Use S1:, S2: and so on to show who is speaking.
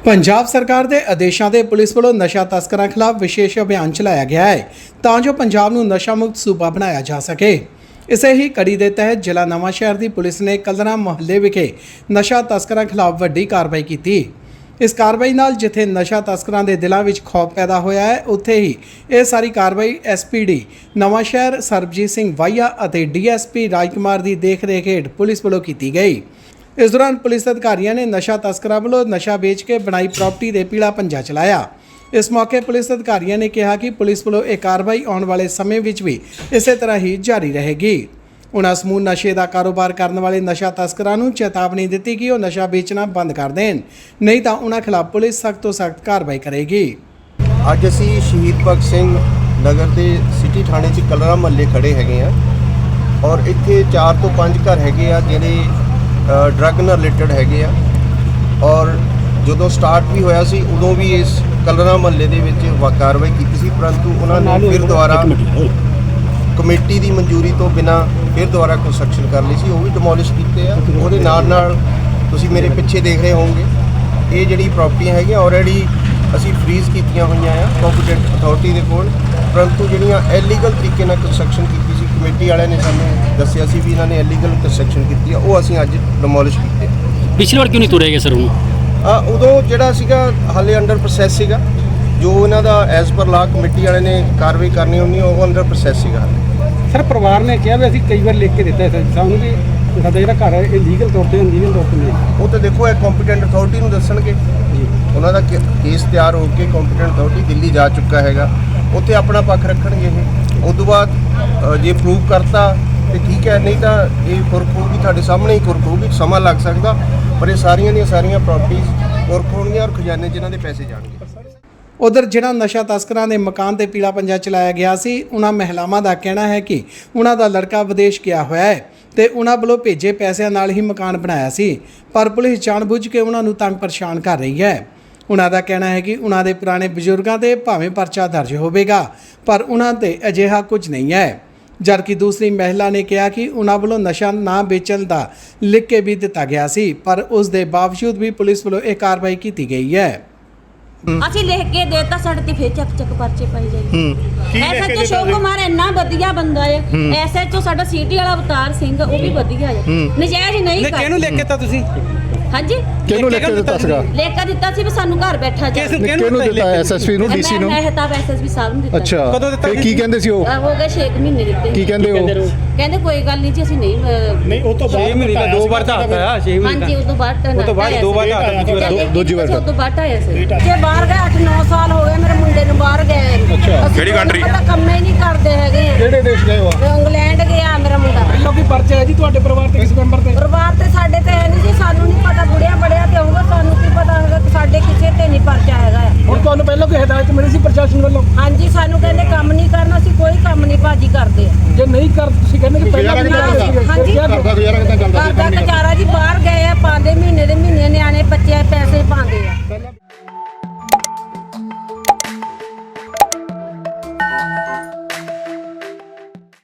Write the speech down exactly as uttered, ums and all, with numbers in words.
S1: पंजाब सरकार के आदेशों से पुलिस वालों नशा तस्करों खिलाफ विशेष अभियान चलाया गया है तां जो पंजाब नूं नशा मुक्त सूबा बनाया जा सके। इसे ही कड़ी के तहत जिला नवांशहर की पुलिस ने कलरा मुहल्ले विखे नशा तस्करों खिलाफ वड्डी कार्रवाई की। इस कार्रवाई नाल जिथे नशा तस्करों के दिलों में खौफ पैदा होया है, उत्थे ही यह सारी कार्रवाई S P D Nawanshahr Sarabjit Singh Wahia और डी एस पी राजकुमार की देख रेख हेठ पुलिस वालों की गई। इस दौरान पुलिस अधिकारियों ने नशा तस्करों वालों नशा बेच के बनाई प्रॉपर्टी दे पीला पंजा चलाया। इस मौके पुलिस अधिकारियों ने कहा कि पुलिस वालों यह कार्रवाई आने वाले समय में भी इस तरह ही जारी रहेगी। उन्होंने समूह नशे का कारोबार करने वाले नशा तस्करों को चेतावनी दी कि वह नशा बेचना बंद कर दें, नहीं तो उन्होंने खिलाफ पुलिस सख्त तो सख्त कार्रवाई करेगी।
S2: अज असी शहीद भगत सिंह नगर के सिटी थाने च कलरा महल्ले खड़े हैगे आ और इत्थे चार तो पाँच घर हैगे आ जिहड़े ड्रग नाल रिलेटेड हैगे आ और जदों स्टार्ट भी होया सी उदों भी इस कलरा महल्ले दे विच कार्रवाई कीती सी, परंतु उन्होंने फिर दोबारा कमेटी की मंजूरी तो बिना फिर दोबारा कंस्ट्रक्शन कर ली सी, वो भी डिमोलिश कीते आ। उहदे नाल नाल तुसीं मेरे पिछे देख रहे होंगे ये जिहड़ी प्रॉपर्टियां हैगी ऑलरेडी असी फ्रीज कीतियां होईयां आ कॉम्पीटेंट अथॉरिटी दे कोल, परंतु जिहड़ियां इलीगल तरीके नाल कंस्ट्रक्शन कीती सी कमेटी वालियां ने सानूं दस्सिया सी भी इन्हां ने इलीगल कंस्ट्रक्शन कीती आ, वो असीं अज डिमोलिश कीते।
S3: पिछली बार क्यों नहीं तुरे गए सर?
S2: आ उदों जिहड़ा सीगा हाले अंडर प्रोसैस सीगा, जो इन्हां दा एज पर ला कमेटी वाले ने कार्रवाई करनी होनी वो अंडर प्रोसैस सीगा।
S4: सर परिवार ने कहा भी असीं कई बार लिख के दिता है सानूं भी साडा जिहड़ा घर है लीगल तौर पर अनलीगल तौर पर नहीं,
S2: वो तो देखो एक कॉम्पीटेंट अथॉरिटी नूं दस्सणगे जी। उन्हां दा केस तैयार होकर कॉम्पीटेंट अथॉरिटी दिल्ली जा चुका हैगा, उत्थे अपना पक्ष रखणगे। ये उस तो बाद जे प्रूव करता तो ठीक है, नहीं तो ये खुरक होगी तुहाडे सामने ही खुरक होगी, समा लग सकता, पर ये सारियां दी सारियां प्रॉपर्टीज खुरक होणगीਆਂ और खजाने जिन्हां दे पैसे जाणगे।
S1: उधर जिन्हां नशा तस्करों के मकान ते पीला पंजा चलाया गया सी, उन्हां महिलावां दा कहना है कि उन्हां दा लड़का विदेश गया होया है ते उन्हां वल्लों भेजे पैसों नाल ही मकान बनाया सी, पर पुलिस जानबूझ के उन्हां नूं तंग परेशान कर रही है। उन्हां दा कहना है कि उन्हां दे पुराने बजुर्गों ते भावें परचा दर्ज होवेगा पर उन्हां ते अजिहा कुछ नहीं है। जबकि दूसरी महिला ने कहा कि उन्हां वल्लों नशा ना बेचण दा लिख के भी दिता गया सी, पर उस दे बावजूद भी पुलिस वल्लों यह कार्रवाई की गई है।
S5: ਅਸੀਂ ਲਿਖ ਕੇ ਦੇਤਾ ਸਾਡੇ ਤੇ ਫੇਰ ਚੱਕ ਚੱਕ ਪਰਚੇ ਪਾਈ ਜਾਈ। ਐਸਐਚਓ ਅਸ਼ੋਕ ਕੁਮਾਰ ਇੰਨਾ ਵਧੀਆ ਬੰਦਾ ਹੈ, ਐਸਐਚਓ ਸਾਡਾ ਸੀਟੀ ਵਾਲਾ ਅਵਤਾਰ ਸਿੰਘ ਉਹ ਵੀ ਵਧੀਆ ਹੈ, ਨਜਾਇਜ਼ ਨਹੀਂ ਕਰ।
S4: ਕਿਹਨੂੰ ਲਿਖ ਕੇ ਦਿੱਤਾ ਤੁਸੀਂ?
S5: ਹਾਂਜੀ
S6: ਕਿਹਨੂੰ ਲਿਖ ਕੇ ਦਿੱਤਾ ਸੀਗਾ?
S5: ਲਿਖ ਕੇ ਦਿੱਤਾ ਸੀ ਵੀ ਸਾਨੂੰ ਘਰ ਬੈਠਾ ਜਾ।
S6: ਕਿਹਨੂੰ ਦਿੱਤਾ? ਐਸਐਸਪੀ ਨੂੰ, ਡੀਸੀ ਨੂੰ?
S5: ਮੈਂ ਮਹਿਤਾਬ ਐਸਐਸਪੀ ਸਾਹਿਬ ਨੂੰ ਦਿੱਤਾ।
S6: ਅੱਛਾ,
S4: ਕਦੋਂ ਦਿੱਤਾ?
S6: ਤੇ ਕੀ ਕਹਿੰਦੇ ਸੀ ਉਹ?
S5: ਹੋ ਗਏ ਛੇ ਮਹੀਨੇ ਦਿੱਤੇ।
S6: ਕੀ ਕਹਿੰਦੇ ਉਹ?
S5: ਕਹਿੰਦੇ ਕੋਈ ਗੱਲ ਨਹੀਂ ਜੀ ਅਸੀਂ ਨਹੀਂ
S4: ਨਹੀਂ ਉਹ ਤੋਂ ਬਾਅਦ ਛੇ ਮਹੀਨੇ ਦਾ ਦੋ ਵਾਰ ਤਾਂ ਆਇਆ ਛੇ ਮਹੀਨੇ
S5: ਹਾਂਜੀ ਉਹ ਤੋਂ ਬਾਅਦ
S4: ਉਹ ਤੋਂ ਬਾਅਦ ਦੋ ਵਾਰ ਆਇਆ
S6: ਦੂਜੀ ਵਾਰ
S5: ਉਹ ਤੋਂ ਬਾਅਦ ਆਇਆ ਸੀ। ਜੇ ਬਾਹਰ ਗਏ ਅੱਠ ਨੌ ਸਾਲ ਹੋ ਗਏ ਮੇਰੇ ਮੁੰਡੇ ਨੂੰ ਬਾਹਰ ਗਏ।
S6: ਕਿਹੜੀ ਕੰਟਰੀ?
S5: ਪਤਾ ਕੰਮ ਹੀ ਨਹੀਂ ਕਰਦੇ ਹੈਗੇ।
S6: ਕਿਹੜੇ ਦੇਸ਼ ਗਏ ਹੋ?
S5: ਇੰਗਲੈਂਡ ਗਿਆ ਮੇਰਾ ਮੁੰਡਾ।
S4: ਪਹਿਲਾਂ ਕੀ ਪਰਚਾ ਹੈ ਜੀ ਤੁਹਾਡੇ ਪਰਿਵਾਰ ਤੇ? ਕਿਸ ਮੈਂਬਰ ਤੇ?
S5: ਪਰਿਵਾਰ ਤੇ ਸਾਡੇ ਤੇ ਹੈ ਨਹੀਂ ਜੀ, ਸਾਨੂੰ ਨਹੀਂ ਪਤਾ, ਬੁੜਿਆ ਬੜਿਆ ਤੇ ਹੋਊਗਾ, ਸਾਨੂੰ ਕੀ ਪਤਾ ਹੈਗਾ ਕਿ ਸਾਡੇ ਕਿਸੇ ਤੇ ਨਹੀਂ ਪਰਚਾ ਹੈਗਾ।
S4: ਹੁਣ ਤੁਹਾਨੂੰ ਪਹਿਲਾਂ ਕੋਈ ਹਦਾਇਤ ਮਿਲੀ ਸੀ ਪ੍ਰਸ਼ਾਸਨ ਵੱਲੋਂ?
S5: ਹਾਂਜੀ ਸਾਨੂੰ ਕਹਿੰਦੇ ਕੰਮ ਨਹੀਂ ਕਰਨਾ, ਅਸੀਂ ਕੋਈ ਕੰਮ ਨਹੀਂ ਭਾਜੀ ਕਰਦੇ ਆ।
S4: ਜੇ ਨਹੀਂ ਕਰ ਤੁਸੀਂ ਕਹਿੰਦੇ ਕਿ ਪਹਿਲਾਂ ਵੀ
S5: ਹਾਂਜੀ
S6: ਘਰ ਦਾ ਗੁਜ਼ਾਰਾ ਕਿੱਦਾਂ ਚੱਲਦਾ
S5: ਘਰ ਦਾ ਗੁਜ਼ਾਰਾ ਜੀ, ਬਾਹਰ ਗਏ ਆ ਪਾਉਂਦੇ ਮਹੀਨੇ ਦੇ ਮਹੀਨੇ ਨਿਆਣੇ ਬੱਚੇ ਪੈਸੇ ਪਾਉਂਦੇ ਆ।